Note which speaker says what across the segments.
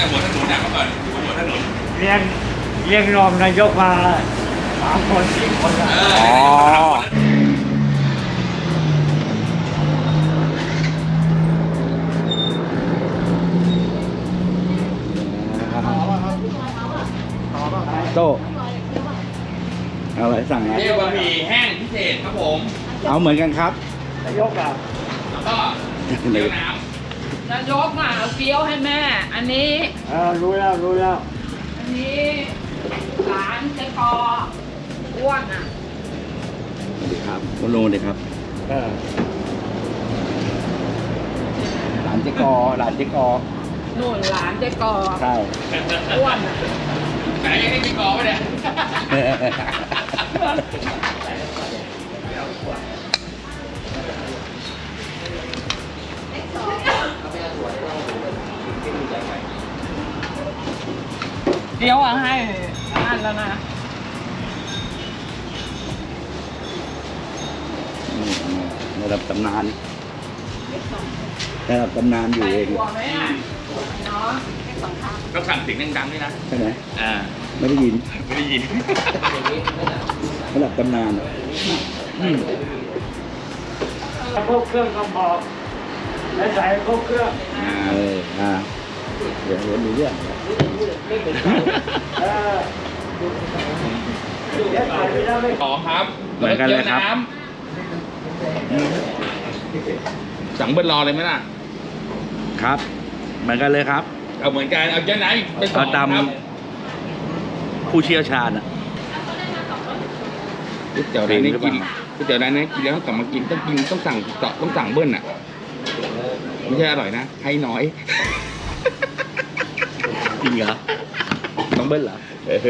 Speaker 1: หัวถนนเมื่อก่อนอยู่บนหัวถนน
Speaker 2: เรียกรองนายกมา3 คน4 คนละ
Speaker 3: อ๋อโตเอาอะไรสั่งนะ
Speaker 1: เรียกบะหมี่แห้งพิเศษครับผม
Speaker 3: เอาเหมือนกันครับ
Speaker 2: นายกอ่ะ
Speaker 1: แล้วก็เกี๊ยวน้
Speaker 4: นายกอ่ะเอาเกี๊ยวให้แม่ อันนี้
Speaker 2: รู้แล้ว
Speaker 4: อันนี้หลานเจ๊กออ้วนอ่ะ
Speaker 3: สวัสดีครับคุณลุงสวัสดีครับหลานเจ๊กอ
Speaker 4: นู่นหลานเจ๊กอ
Speaker 3: ใช่
Speaker 4: อ้วนอ่ะ
Speaker 1: ำไหนยังได้กินกอไหมเนี่ย
Speaker 4: เดี๋ยวอ่ะให้อันแล้วนะ
Speaker 3: ระดับตำนานระดับตำนานอยู่เอง
Speaker 4: หัวไหมอ่ะเนาะ
Speaker 1: ต้องสั่งเสียงดังๆด้วยนะ
Speaker 3: ใช่ไหม ไม่ได้ยิน
Speaker 1: ไม่ได้ยิน
Speaker 3: ระดับตำนาน
Speaker 2: พวกเครื่องก็บอกแล้วใส่พวกเครื่อง
Speaker 3: เดี๋ยวมีเรื่อง
Speaker 2: เดี๋ยวใส่ไปแล้วไม่
Speaker 1: ต่อครับ
Speaker 3: เหมือนกันเลยครับ
Speaker 1: น้ำสั่งเบิ้ลรอเลยไหมล่ะ
Speaker 3: ครับ เหมือนกันเลยครับ
Speaker 1: เอาเหมือนกัน เอาเจ้าไหนเป็นสอ
Speaker 3: เอา
Speaker 1: ง
Speaker 3: ตาม
Speaker 1: ครับ
Speaker 3: ผู้เชี่ยวชาญอ่ะ
Speaker 1: ก๋วยเตี๋ยวร้านนี้กินก๋วยเตี๋ยวร้านนี้กินแล้วกลับมากินต้องสั่งเบิ้ลอ่ะ ไม่ใช่อร่อยนะ ให้น้อย
Speaker 3: จริงเหรอต้องเบิ้ลเหรอ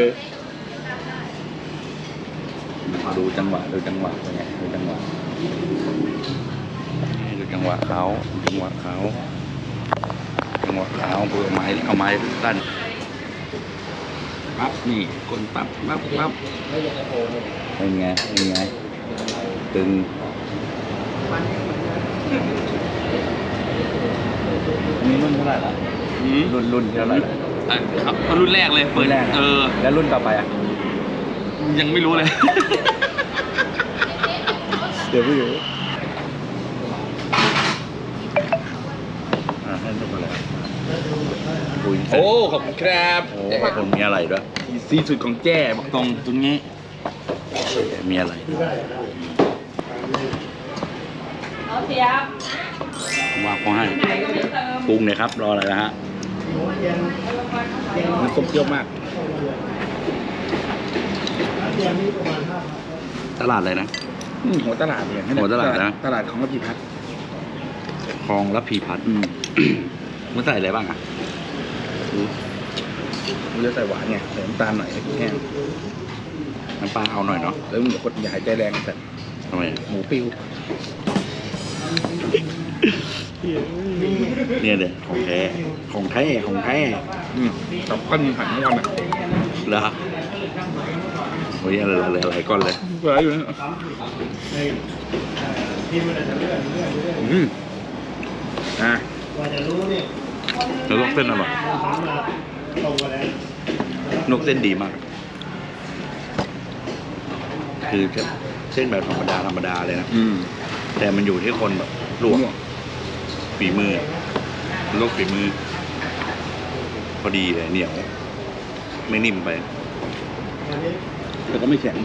Speaker 3: ดูจังหวะเป็นไงดูจังหวะเขาเพื่อเอาไม้สั้นปั๊บนี่คนปั๊บเป็นไงตึงนี่รุ่นเท่าไหร่ละรุ่นเท่าไหร่ละ
Speaker 1: ครับรุ่นแรกเลยเปิด
Speaker 3: แรกแล้วรุ่นต่อไปอ่ะ
Speaker 1: ยังไม่รู้เลย
Speaker 3: เดี๋ยวไม่รู้ให้ทุกคนเลยคุย
Speaker 1: โอ้ ขอบคุณครับ
Speaker 3: โอ้ขอบคุณมีอะไรด้วย
Speaker 1: ซีสุดของแจ้บอกตรงนี้
Speaker 3: มีอะไร
Speaker 4: เอาเสียบ
Speaker 3: ว่าเขาให้
Speaker 4: ไหนก็ไม่เติม
Speaker 3: ปรุงเลยครับรออะไรนะฮะ
Speaker 1: มันส้มเปรี้ยวมาก
Speaker 3: ตลาดอะไรนะ
Speaker 1: หัวตลาดเนี่ย
Speaker 3: หัวตลาดนะ
Speaker 1: ตลาดของระพีพัฒน์
Speaker 3: คลองระพีพัฒน์มันใส่อะไรบ้างอ่ะ
Speaker 1: มันจะใส่หวานไงใส่น้ำตาลหน่อยแห้ง
Speaker 3: น้ำปลาเอาหน่อยเนาะ
Speaker 1: แล้วมันคนอย่าหายใจแรงแต่
Speaker 3: ทำไม
Speaker 1: หมูปิ้ว
Speaker 3: เนี่ยเดี๋ยวของแท้
Speaker 1: กับก้อนหันก้อนอ่ะ
Speaker 3: เหรอโอ้ยอะไรก้อนเลย
Speaker 1: เหลืออยู่นะ
Speaker 3: แล้วลวกเส้นอร่อยลวกเส้นดีมาก คือเส้นแบบธรรมดาเลยนะแต่มันอยู่ที่คนแบบลวกฝีมือลวกฝีมือ พอดีเลยเหนียว ไม่นิ่มไป
Speaker 1: แต่ก็ไม่แข็ง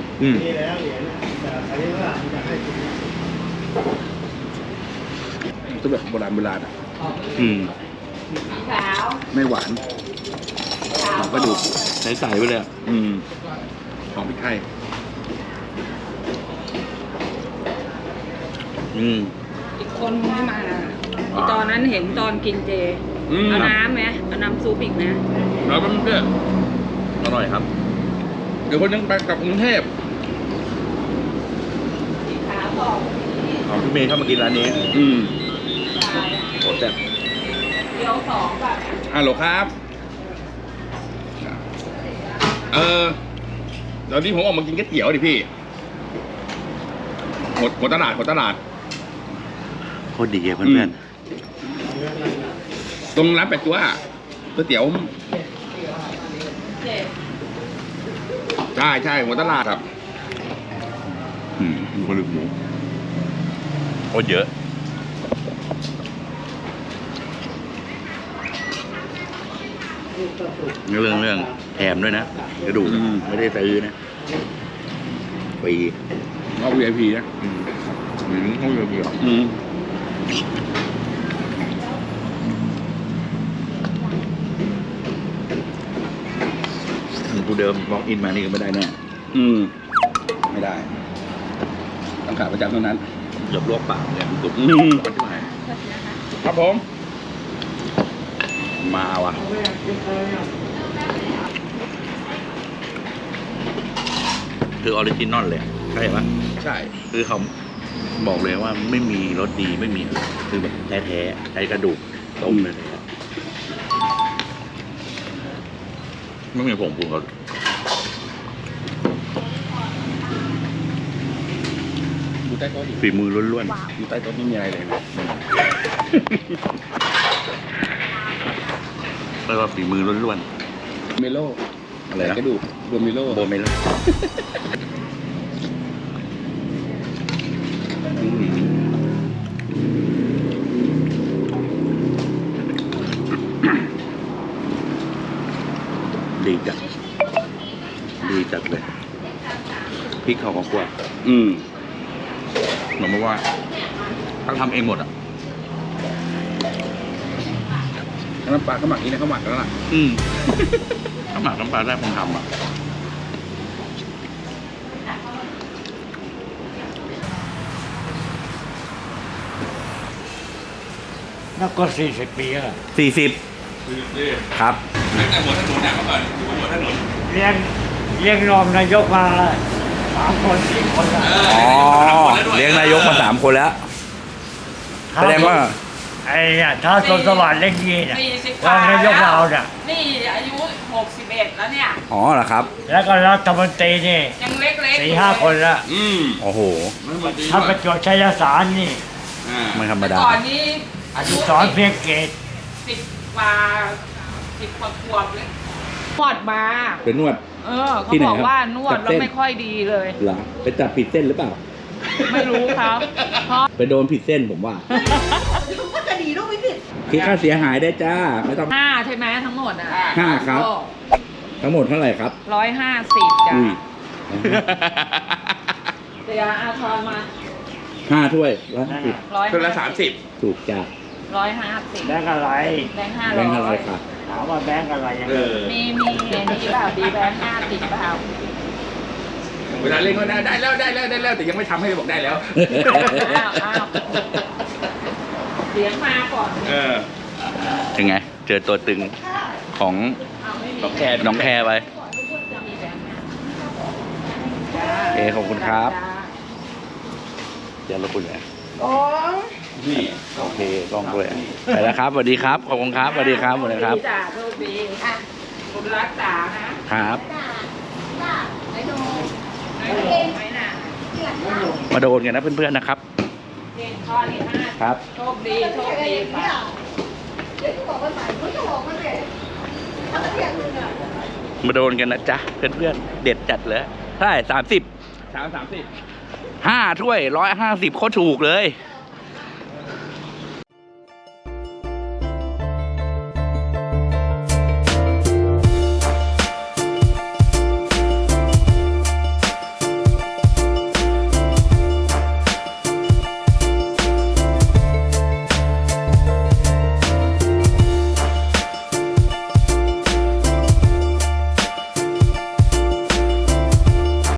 Speaker 1: ก็แบบโบราณอ่ะ
Speaker 4: ขาว
Speaker 1: ไม่หวานหอมกระดูก
Speaker 3: ใส่ไปเลยอ่ะ
Speaker 1: หอมพริกไทย
Speaker 4: อีกคนไม่มาตอนนั้นเห็นตอนกินเจ เอาน้ำไหมเอาน้ำซุปอีกนะ
Speaker 1: แล้วก็เพื่อน
Speaker 3: อร่อยครับ
Speaker 1: เดี๋ยวคนยังไปกลับกรุงเทพ
Speaker 4: ขาบอก
Speaker 3: ของพี่เมย์เข้ามากินร้านนี้โหแซ่บ
Speaker 4: เดี๋ยว2แบบ
Speaker 1: ฮัลโหลครับ ตอนนี้ผมออกมากินก๋วยเตี๋ยวดิพี่หัวตลาด
Speaker 3: โคตรดีเพื่อน
Speaker 1: ตรงร้านแปดจั๊วก๋วยเตี๋ยวใช่ใช่หัวตลาดครับ
Speaker 3: ดูกระดูกหมูโคตรเยอะเรื่องแถมด้วยนะกระดูกไม่ได้ซื้อนะฟรี
Speaker 1: เอา VIP นะห้อง VIP เหรอ
Speaker 3: กูเดิมบล็อกอินมานี่ก็ไม่ได้แน่
Speaker 1: ไม่ได้ต้องขาประจำเท่านั้น
Speaker 3: หยบลวกปากเนี่ยมันกรุบร้อนที่ไหน
Speaker 1: ครับผม
Speaker 3: มาว่ะคือออริจินอลเลยใช่ปะ
Speaker 1: ใช่
Speaker 3: คือเขาบอกเลยว่าไม่มีรสดีไม่มีคือแบบแท้ๆใช้กระดูกต้มเลยไม่มีผงปรุงรส
Speaker 1: ดูใต้โต๊ะดิ
Speaker 3: ฝีมือล้วน
Speaker 1: ดูใต้โต๊ะไม่มีอะไรเลยนะ
Speaker 3: ๆเรียกว่าฝีมือล้วน
Speaker 1: เมโล
Speaker 3: ๆอะไรนะ
Speaker 1: กระดูกโดเมโล
Speaker 3: โบเมล่าดีจัดเลยพริกเขาก็คั่วเหมือนว่าเขาทำเองหมดอ่ะ
Speaker 1: น้ำปลาก็หมักนี้นะเขาหมักแล้วล่ะ
Speaker 3: ถ้าหมักน้ำปลาได้ผมทำอ่ะ
Speaker 2: นักก็40 ปีแล้ว
Speaker 3: 40ครับ
Speaker 1: ตั้งแต่หัวถนนเนี่ยเมื่อก่อนอยู่บนหัวถนน
Speaker 2: เลี้ยงรองนายกมา3 คน 4 คนแล้ว
Speaker 3: อ๋อเลี้ยงนายกมา3 คนแล้ว แสดงว่า
Speaker 2: ไอ้เนี่ยท้าวสนสวัสดิ์เล็กยีเนี่ย
Speaker 4: 40
Speaker 2: รองนายกเราเนี่ย
Speaker 4: นี่อายุ61แล้วเนี่ย
Speaker 3: อ๋อเหรอครับ
Speaker 2: แล้วก็รัฐมนตรีนี่
Speaker 4: ยังเล็กๆ
Speaker 2: 4-5 คนแล้ว
Speaker 3: โอ้โห
Speaker 2: ถ้าประจวบชัยสารนี่
Speaker 3: ไม่ธรรม
Speaker 4: แต่
Speaker 3: ดา
Speaker 4: ก่อนนี้
Speaker 2: อนุสรณ์เพียงเกต
Speaker 4: 10 กว่า 10 กว่าขวบเลยนวดมา
Speaker 1: เป็นนวด
Speaker 4: เขา
Speaker 1: ที่ไหน
Speaker 4: บอก
Speaker 1: ครับ
Speaker 4: ว่านวด
Speaker 1: จับ
Speaker 4: แล้ว
Speaker 1: เส้น
Speaker 4: ไม่ค่อยดีเลย
Speaker 1: เหรอไปจับผิดเส้นหรือเปล่า
Speaker 4: ไม่รู้ครับเพราะ
Speaker 1: ไปโดนผิดเส้นผมว่า
Speaker 5: ก็จะดีลูกไม่ผิด
Speaker 1: คิดค่าเสียหายได้จ้า ไม่ต้อง
Speaker 4: 5 ใช่ไหมทั้งหมดอ่ะ
Speaker 1: 5 ครับ ทั้งหมดเท่าไหร่ครับ
Speaker 4: 150จ้ะ
Speaker 1: อุ้ย
Speaker 4: เดี๋ยวอาทรมา
Speaker 1: 5 ถ้วย150
Speaker 4: 150
Speaker 1: ถ้วยละถูกจ้ะ
Speaker 4: 150
Speaker 2: แบงค์อะไร
Speaker 4: แบงค์
Speaker 1: แบงค์อะไร
Speaker 4: 500
Speaker 1: ค่ะ
Speaker 2: ถามว่าแบงค์อะไรยังไง
Speaker 4: มีอันนี้เปล่าดีแบงค์50เปล่า
Speaker 1: เวลาเล่นก็ได้แล้วแต่ยังไม่ทำให้บอกได้แล้ว
Speaker 4: อ้าวเสียงมาก่อน
Speaker 3: ยังไง เจอตัวตึงของ
Speaker 4: ไม่มี
Speaker 3: น้องแคร์ไป
Speaker 4: มีแบงค์
Speaker 3: โอเคขอบคุณครับเดี๋ยวเราคุยกัน
Speaker 1: นี่
Speaker 3: โอเคกล้องด้วยไปแล้วครับสวัสดีครับ ขอบคุณครับสวัสดีครับสวัสดีครับ
Speaker 4: จ้าโชคดีค่ะคุณรักษานะครับ ไอ้โดนไหมน่ะ
Speaker 3: มาโดนกันนะเพื่อนๆนะครับ
Speaker 4: เจนข้อนี่5
Speaker 3: ครับ
Speaker 4: โชคดีค่ะ
Speaker 5: เดี๋ยวจะบอกว่าใส่ก็จะบอกว่าเนี่ยถ้าเทียบนึงอ่ะ
Speaker 3: มาโดนกันนะจ๊ะเพื่อนๆเด็ดจัดเลยเท่าไหร่30
Speaker 1: 30
Speaker 3: 5 ถ้วย 150โคตรถูกเลย